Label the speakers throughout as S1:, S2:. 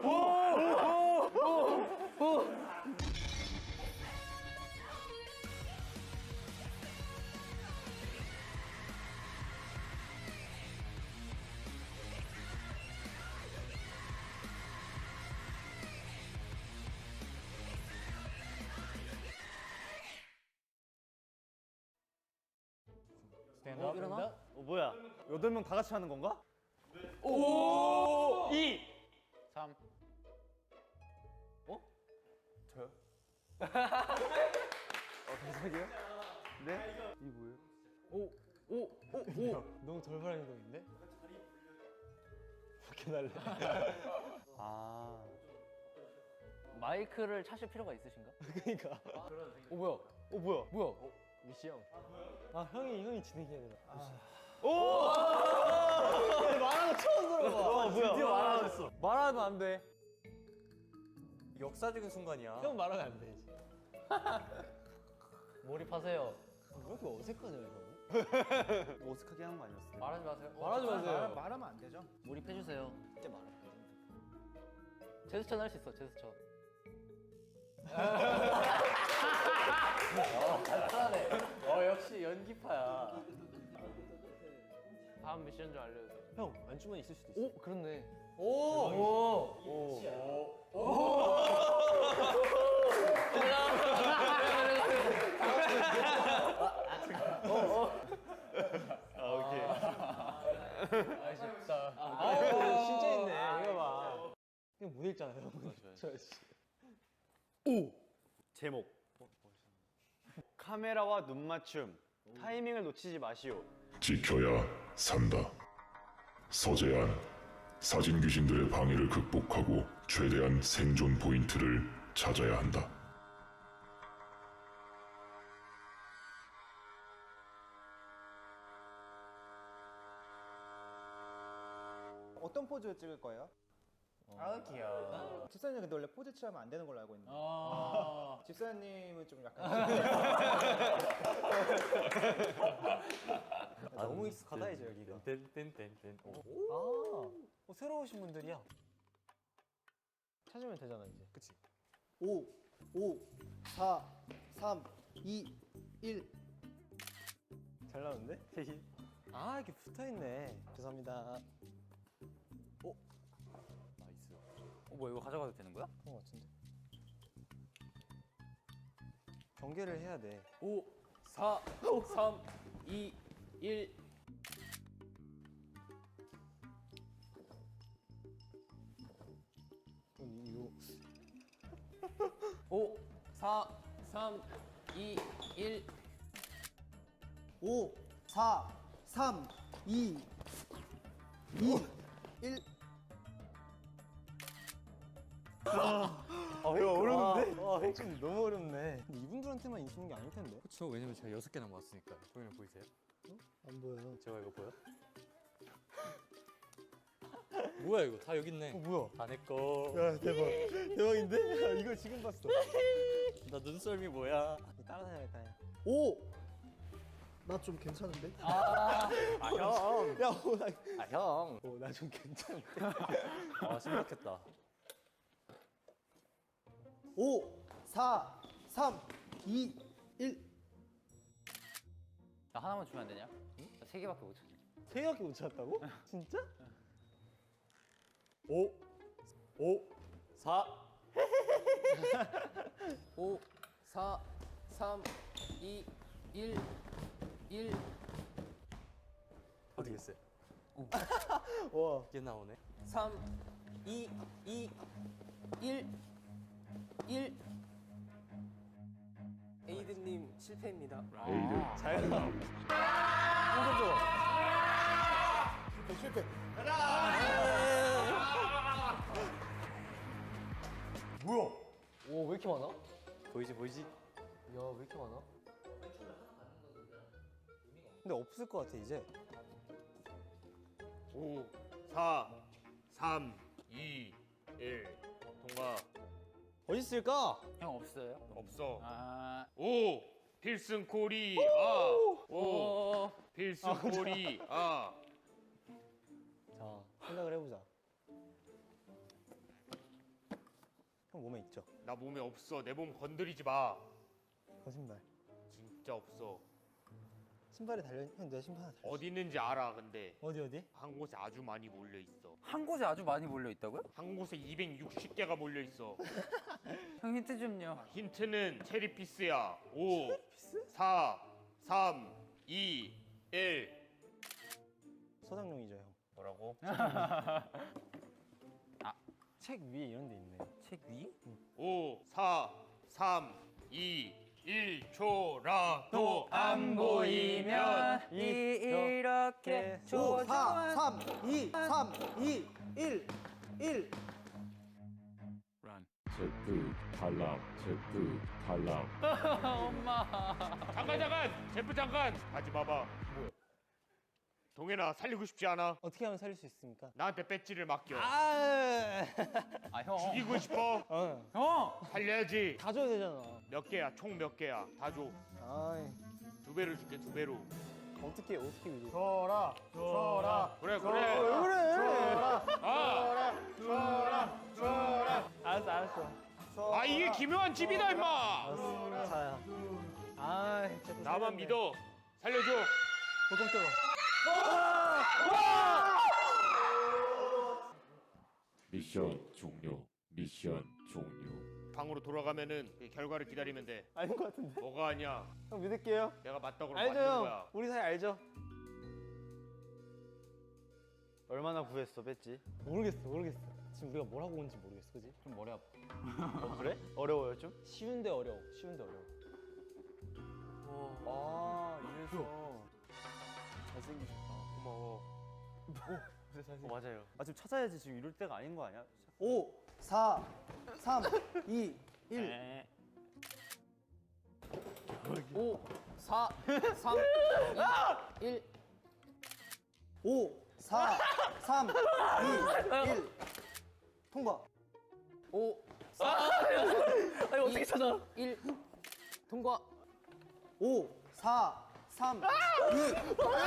S1: 일어나?
S2: 뭐야? 8명 다 같이 하는 건가?
S1: 오! 2! 3.
S2: 저요? 갑자기요? 네? 이 뭐예요?
S1: 오!
S3: 너무 돌발한 행동인데? 밖에 날래.
S2: 아.
S1: 마이크를 차실 필요가 있으신가?
S3: 그니까.
S1: 뭐야?
S2: 뭐야?
S1: 뭐야?
S3: 미시 형. 아, 형이 진행해야 되나? 말하는 거 처음 들어봐.
S2: 드디어 말하셨어.
S3: 말하면 안 돼.
S2: 역사적인 순간이야.
S3: 형 말하면 안 되지.
S1: 몰입하세요.
S3: 왜 이렇게 어색하냐, 이거?
S2: 뭐 어색하게 하는 거 아니었어요?
S1: 말하지 마세요.
S3: 말하지 마세요.
S4: 말하면 안 되죠.
S1: 몰입해주세요.
S3: 그때 말하면
S1: 제스처는 할 수 있어, 제스처. 잘하네. 역시 연기파야. 다음 미션 좀 알려주세요.
S3: 형, 안주머니 있을 수도 있어.
S1: 오, 그렇네. 아쉽다.
S3: 진짜 있네. 이거 봐. 그냥 못 읽잖아요.
S2: 제목. 카메라와 눈 맞춤. 타이밍을 놓치지 마시오.
S5: 지켜야 산다. 서재한 사진 귀신들의 방해를 극복하고 최대한 생존 포인트를 찾아야 한다.
S4: 어떤 포즈 찍을 거예요?
S1: 아, 귀여워.
S4: 집사님 근데 원래 포즈 취하면 안 되는 걸로 알고 있는데. 집사님은 좀 약간.
S3: 너무 익숙하다, 이제 여기가. 새로 오신 분들이야. 찾으면 되잖아, 이제. 그치?
S4: 5, 4, 3, 2, 1.
S3: 잘 나오는데? 아, 이렇게 붙어있네. 죄송합니다.
S1: 나이스. 뭐야, 이거 가져가도 되는 거야?
S3: 그런 거 같은데? 경계를 해야 돼.
S1: 5, 4, 3, 2, 1.
S3: 이거
S1: 5, 4, 3, 2, 1.
S4: 5, 4, 3, 2, 1.
S3: 이거 어려운데? 좀 너무 어렵네. 근데 이분들한테만 있는 게 아닐 텐데.
S6: 그쵸, 왜냐면 제가 6개나 모았으니까. 보이면 보이세요?
S3: 안 보여요.
S6: 제가 이거 보여? 뭐야 이거 다 여기 있네.
S3: 뭐야?
S6: 다 내꺼.
S3: 야, 대박인데? 야, 이걸 지금 봤어.
S6: 나 눈썰미 뭐야?
S3: 따라다녀야겠다.
S4: 5. 나 좀 괜찮은데?
S3: 형. 야,
S6: 형.
S3: 나 좀 괜찮은데.
S6: 심각했다.
S4: 5, 4, 3, 2, 1.
S1: 나 하나만 주면 안 되냐? 응? 나 3개밖에 못 찾아.
S3: 3개밖에 못 찾았다고? 진짜?
S6: 5, 4.
S1: 5, 4, 3, 2, 1, 1.
S6: 어디 있어요?
S3: 와.
S6: 이게 나오네.
S1: 3, 2, 1, 1. 에이든님 실패입니다.
S5: 에이드
S3: 잘 나와.
S4: 실패.
S3: 오, 왜 이렇게 많아?
S6: 보이지?
S3: 야, 왜 이렇게 많아? 근데 없을 것 같아, 이제.
S2: 5, 4, 3, 2, 1. 통과.
S3: 어디 있을까?
S1: 형 없어요?
S2: 없어.
S1: 아.
S2: 5. 필승 코리. 5. 필승 코리.
S3: 자, 생각을 해보자. 형 몸에 있죠?
S2: 나 몸에 없어. 내 몸 건드리지 마.
S3: 거짓말.
S2: 진짜 없어.
S3: 신발에 달려 형 내 신발 하나 달려.
S2: 어디 있는지 알아. 근데
S3: 어디?
S2: 한 곳에 아주 많이 몰려 있어.
S1: 한 곳에 아주 많이 몰려 있다고요?
S2: 한 곳에 260개가 몰려 있어.
S1: 형 힌트 좀요.
S2: 힌트는 체리 피스야. 5, 4, 3, 2, 1.
S3: 소장용이죠 형.
S2: 뭐라고?
S3: 책 위에 이런 데 있네.
S1: 책 위?
S2: 5, 4, 3, 2, 1초라도 안 보이면
S1: 이렇게
S4: 5, 4, 3, 2, 3, 2, 1, 1.
S5: 제프 탈락, 제프 탈락.
S1: 엄마.
S2: 잠깐 제프 잠깐 하지 마봐. 뭐야? 동현아 살리고 싶지 않아?
S3: 어떻게 하면 살릴 수 있습니까?
S2: 나한테 배지를 맡겨.
S3: 아
S1: 형.
S2: 죽이고 싶어?
S1: 형.
S2: 살려야지.
S3: 다 줘야 되잖아.
S2: 몇 개야? 총 몇 개야? 다 줘.
S3: 아이
S2: 2배로 줄게 2배로.
S3: 어떻게 믿어?
S4: 줘라.
S2: 그래.
S3: 왜 그래? 알았어.
S2: 아 이게 기묘한 집이다 임마.
S3: 알았어. 자야. 아 진짜.
S2: 나만 믿어. 살려줘.
S3: 보통 뜨거.
S5: 미션 종료. 미션 종료.
S2: 방으로 돌아가면은 그 결과를 기다리면 돼.
S3: 아닌 것 같은데.
S2: 뭐가 아니야?
S3: 형 믿을게요.
S2: 내가 맞다고
S3: 알죠
S2: 맞는
S3: 형.
S2: 거야.
S3: 우리 사이 알죠?
S6: 얼마나 구했어 뺐지?
S3: 모르겠어. 지금 우리가 뭘 하고 온지 모르겠어, 그지?
S1: 좀 머리 아파.
S6: 그래? 어려워요 좀?
S3: 쉬운데 어려워.
S6: 아 이래서
S3: 잘생기셨다.
S2: 고마워.
S6: 맞아요. 아 지금 찾아야지. 지금 이럴 때가 아닌 거 아니야?
S4: 5, 4, 3, 2, 1.
S1: 5, 4, 3, 2, 1.
S4: 5, 4, 3, 2, 1. 통과.
S1: 5, 4, 아니 어떻게 찾아? 1. 통과.
S4: 5, 4, 3, 2.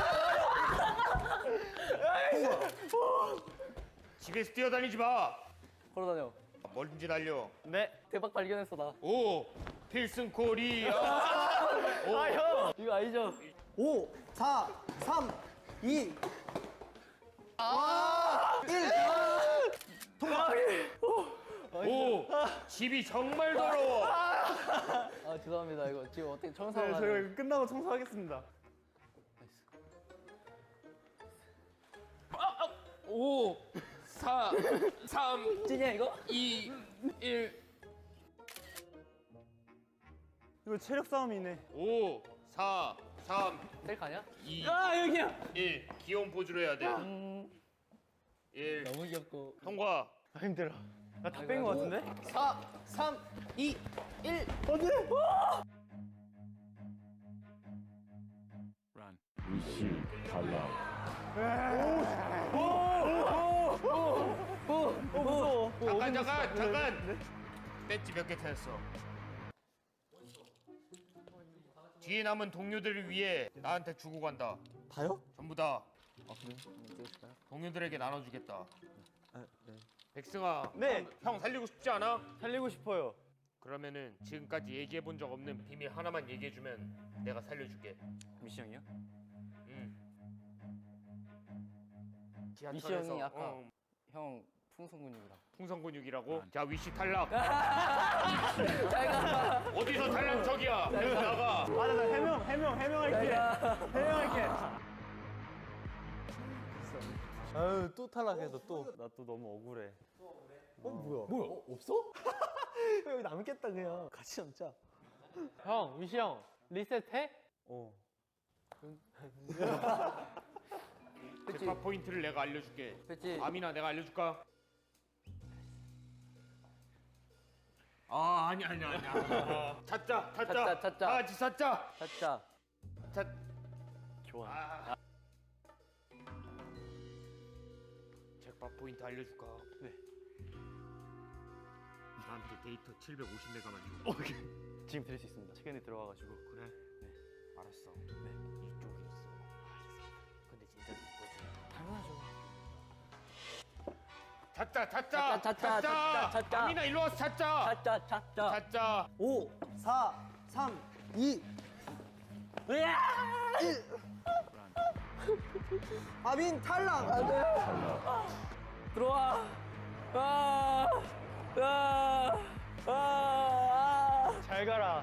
S2: 집에서 뛰어다니지 마.
S1: 걸어다녀.
S2: 멀든지 달려.
S6: 네.
S1: 대박 발견했어 나.
S2: 5 필승 코리아.
S1: 형 이거 아니죠?
S4: 5, 4, 3, 2.
S2: 5 집이 정말 더러워.
S1: 아 죄송합니다 이거 지금 어떻게 청소하고
S3: 저희 끝나고 청소하겠습니다.
S1: 5, 4, 3. 찐이야 이거? 2, 1.
S3: 이거 체력 싸움이네.
S2: 5 4 3
S1: 셀카 아니야?
S2: 2
S1: 아 여기야.
S2: 1 귀여운 포즈로 해야 돼. 1
S1: 너무 귀엽고.
S2: 통과.
S3: 아 힘들어. 나 다 뺀 거 같은데?
S1: 4, 3, 2, 1.
S5: 위시 탈락.
S2: 잠깐. 배지 몇 개 찾았어. 뒤에 남은 동료들을 위해 나한테 주고 간다.
S3: 다요?
S2: 전부 다
S3: 아 그래?
S2: 동료들에게 나눠주겠다.
S3: 네.
S2: 백승아.
S3: 네.
S2: 형 살리고 싶지 않아?
S3: 살리고 싶어요.
S2: 그러면은 지금까지 얘기해 본 적 없는 비밀 하나만 얘기해주면 내가 살려줄게.
S6: 미션이요?
S2: 지하철에서
S1: 미션이 아까 형 풍선 근육이랑.
S2: 풍선 근육이라고? 자 위시 탈락.
S1: 잘가.
S2: 어디서 탈락척이야? 여기서 나가.
S3: 맞아, 나 해명할게. 아유 또 탈락해서 또.
S6: 나 또 너무 억울해.
S3: 뭐야? 없어? 여기 남겠다 그냥. 같이 남자.
S1: 형 위시 형 리셋해?
S2: 제파 포인트를 내가 알려줄게.
S1: 그치.
S2: 아미나 내가 알려줄까? 아 아니야. 찾자.
S1: 찾자.
S2: 다 같이 찾자.
S1: 찾자.
S6: 좋아.
S2: 잭팟 포인트 알려줄까? 네. 나한테 데이터 750메가만 줘.
S6: 지금 드릴 수 있습니다. 책에 들어가가지고.
S2: 그래? 네. 알았어. 네. 이쪽이었어. 알겠습니다. 근데 진짜 이거지.
S1: 당연하죠.
S2: 찾자. 아미나 일로 와서 찾자. 찾자.
S3: 5, 4, 3, 2, 1. 아민 탈락. 안 돼.
S1: 들어와.
S6: 잘 가라.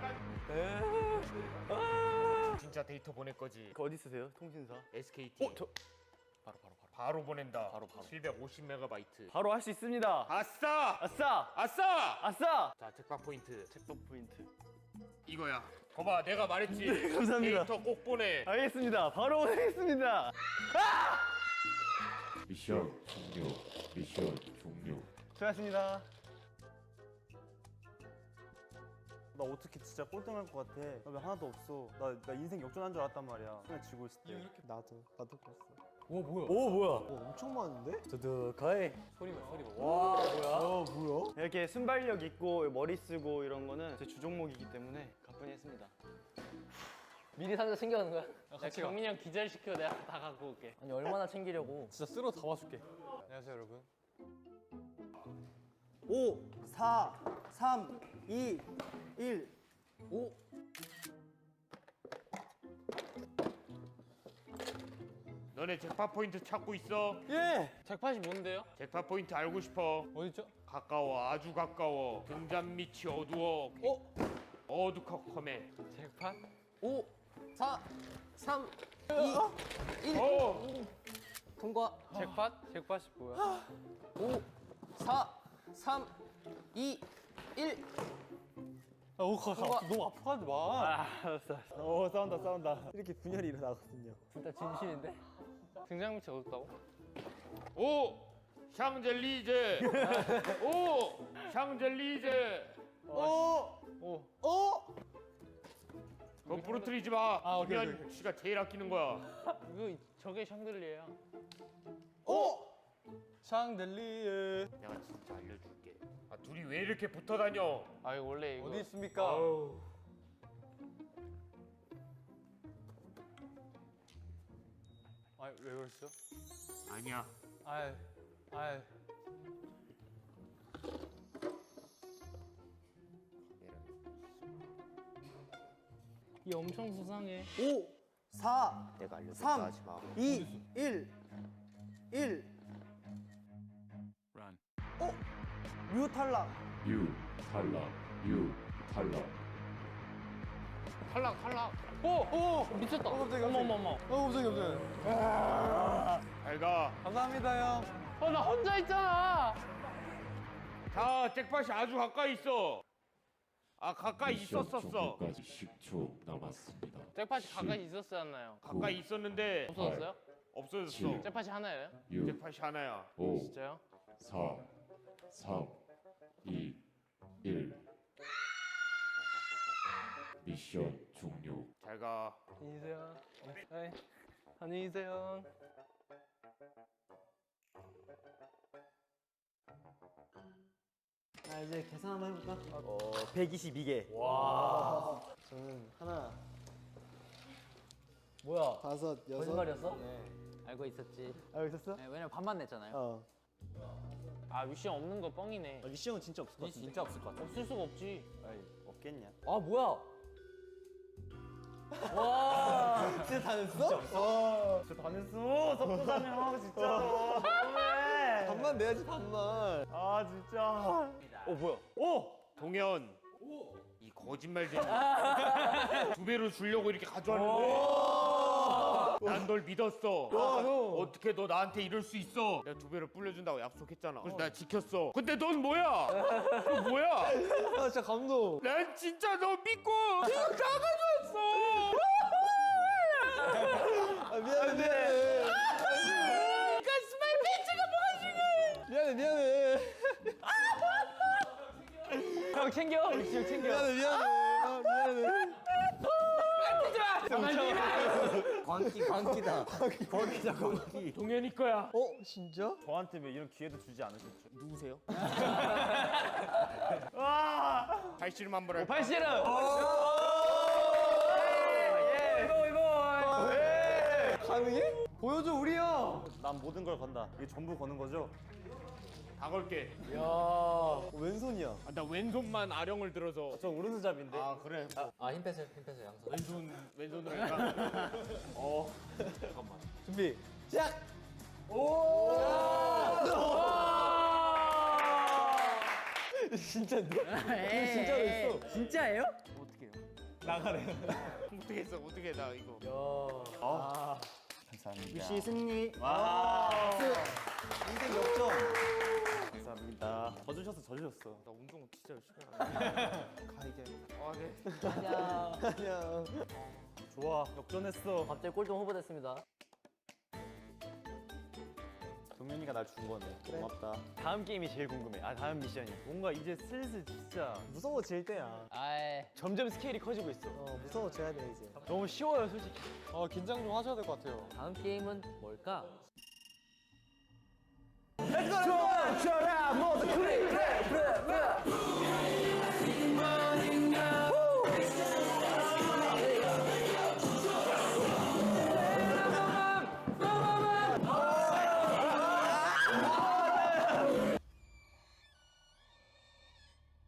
S2: 진짜 데이터 보낼 거지.
S6: 그 어디 쓰세요? 통신사.
S2: SKT.
S6: 저
S2: 바로 보낸다. 750MB.
S6: 바로 할 수 있습니다.
S2: 아싸!
S6: 아싸!
S2: 아싸!
S6: 아싸!
S2: 자, 책박 포인트.
S6: 책복 포인트.
S2: 이거야. 거봐, 내가 말했지.
S6: 감사합니다.
S2: 데이터 꼭 보내.
S6: 알겠습니다. 바로 보내겠습니다.
S5: 미션 종료. 미션 종료.
S6: 수고하셨습니다.
S3: 나 어떻게 진짜 꼴등할 것 같아. 나 왜 하나도 없어. 나 인생 역전한 줄 알았단 말이야. 그냥 지고 있을 때. 나도 그랬어.
S1: 오 뭐야?
S3: 오 뭐야? 엄청 많은데?
S6: 두둑하이.
S1: 소리만. 와 뭐야?
S3: 뭐야?
S6: 이렇게 순발력 있고 머리 쓰고 이런 거는 제 주종목이기 때문에 가뿐히 했습니다.
S1: 미리 상자 챙겨가는 거야?
S7: 같이 경민이 형 기절시켜 내가 다 갖고 올게.
S1: 아니 얼마나 챙기려고?
S3: 진짜 쓸어 담아줄게.
S7: 안녕하세요 여러분.
S3: 5, 4, 3, 2, 1.
S1: 5.
S2: 너네 잭팟 포인트 찾고 있어?
S3: 예.
S7: 잭팟이 뭔데요?
S2: 잭팟 포인트 알고 싶어?
S7: 어딨죠?
S2: 가까워, 아주 가까워. 등잔 밑이 어두워. 어두컴컴해.
S7: 잭팟?
S1: 5, 4, 3, 2, 1. 통과.
S7: 잭팟? 잭팟이 뭐야?
S1: 5, 4, 3, 2, 1.
S3: 너무 아파하지 마.
S6: 알았어.
S3: 싸운다. 이렇게 분열이 일어나거든요.
S1: 진짜 진실인데?
S7: 등장 밑이 어둡다고?
S2: 오! 샹젤리제! 오! 샹젤리제! 그거 부러뜨리지 마. 김현 씨가 제일 아끼는 거야.
S7: 이거 저게 샹들리에야.
S3: 샹들리에.
S2: 내가 진짜 알려줄게. 아, 둘이 왜 이렇게 붙어 다녀?
S7: 아 이거 원래 이거
S3: 있습니까?
S2: 아우.
S7: 아왜 그랬어?
S2: 아니야.
S7: 아이 이 엄청 수상해.
S3: 5, 4,
S4: 내가 알려줄게
S3: 3,
S4: 하지 마.
S3: 2, 1. 1.
S5: Run.
S3: 뮤 탈락.
S5: 유 탈락. 유 탈락.
S7: 탈락. 오 미쳤다.
S3: 갑자기.
S7: 어머.
S3: 갑자기.
S2: 잘 가.
S3: 감사합니다, 형.
S7: 나 혼자 있잖아.
S2: 자, 잭팟이 아주 가까이 있어. 아, 가까이
S5: 미션
S2: 있었었어.
S5: 종료까지 10초 남았습니다.
S7: 잭팟이 가까이 있었어야
S2: 가까이 있었는데
S7: 없어졌어요?
S2: 없어졌어.
S5: 칠.
S7: 잭팟이 하나예요?
S5: 6,
S2: 잭팟이 하나야.
S5: 5,
S7: 진짜요?
S5: 4, 3, 2, 1. 미션 종료.
S2: 잘 가.
S7: 안녕히 계세요. 네. 안녕히 계세요.
S3: 자, 이제 계산 한번 해볼까?
S6: 122개.
S3: 저는 하나,
S1: 뭐야?
S3: 다섯, 여섯.
S1: 거짓말이었어?
S3: 네.
S1: 알고 있었지.
S3: 알고 있었어?
S1: 네, 왜냐면 반만 냈잖아요.
S3: 어.
S7: 아 미션 없는 거 뻥이네.
S3: 리시 형은 진짜 없을 것 같은데.
S1: 진짜 없을 것 같아.
S7: 없을 수가 없지.
S6: 아이, 없겠냐?
S1: 아 뭐야? 와.
S3: 진짜 다 냈어?
S6: 진짜 다 냈어. 섭섭하냐 진짜. 너무해.
S3: 반만 내야지, 반만.
S6: 아 진짜. 뭐야?
S2: 동현. 이 거짓말쟁이. 2배로 주려고 이렇게 가져왔는데. 난 널 믿었어. 어떻게 너 나한테 이럴 수 있어? 내가 2배로 불려준다고 약속했잖아. 그래서 나 지켰어. 근데 넌 뭐야? 너 뭐야?
S3: 아, 진짜 감동.
S2: 난 진짜 너 믿고 이거 다 가져왔어.
S3: 아, 미안해.
S2: 가스마이 벤츠가 뭐가 중요해?
S3: 미안해.
S1: 형 챙겨. 우리 형 챙겨.
S3: 미안해. 아, 미안해.
S1: 광기다.
S2: 동현이 거야.
S3: 진짜?
S6: 저한테 왜 이런 기회도 주지 않으셨죠?
S2: 누구세요? 팔씨름 한번 할까?
S1: 팔씨름.
S3: 가능해? 보여줘, 우리 형.
S6: 난 모든 걸 건다. 이게 전부 거는 거죠?
S2: 다 걸게.
S3: 왼손이야.
S2: 나 왼손만 아령을 들어서.
S3: 저 오른손잡인데.
S2: 아 그래.
S1: 힘 빼세요 양손.
S2: 왼손으로 할까? 잠깐만.
S3: 준비. 시작. 진짜인데? 진짜로 했어.
S1: 진짜예요?
S3: 어떻게 해요? 나가래.
S2: 어떻게 했어? 어떻게 나 이거.
S3: 감사합니다.
S4: 위시 승리.
S3: 인생 역전. 감사합니다. 져주셨어.
S2: 나 운동 진짜 열심히 하네.
S4: 가 이제.
S2: 아 네.
S3: 안녕. 좋아. 역전했어.
S1: 갑자기 꼴등 후보 됐습니다.
S3: 동현이가 날 준 거네. 고맙다.
S6: 다음 게임이 제일 궁금해. 다음 미션이.
S3: 뭔가 이제 슬슬 진짜 무서워질 때야.
S1: 아이.
S6: 점점 스케일이 커지고 있어.
S3: 무서워져야 돼 이제.
S6: 너무 쉬워요, 솔직히.
S3: 긴장 좀 하셔야 될 것 같아요.
S1: 다음 게임은 뭘까?
S3: 멈춰라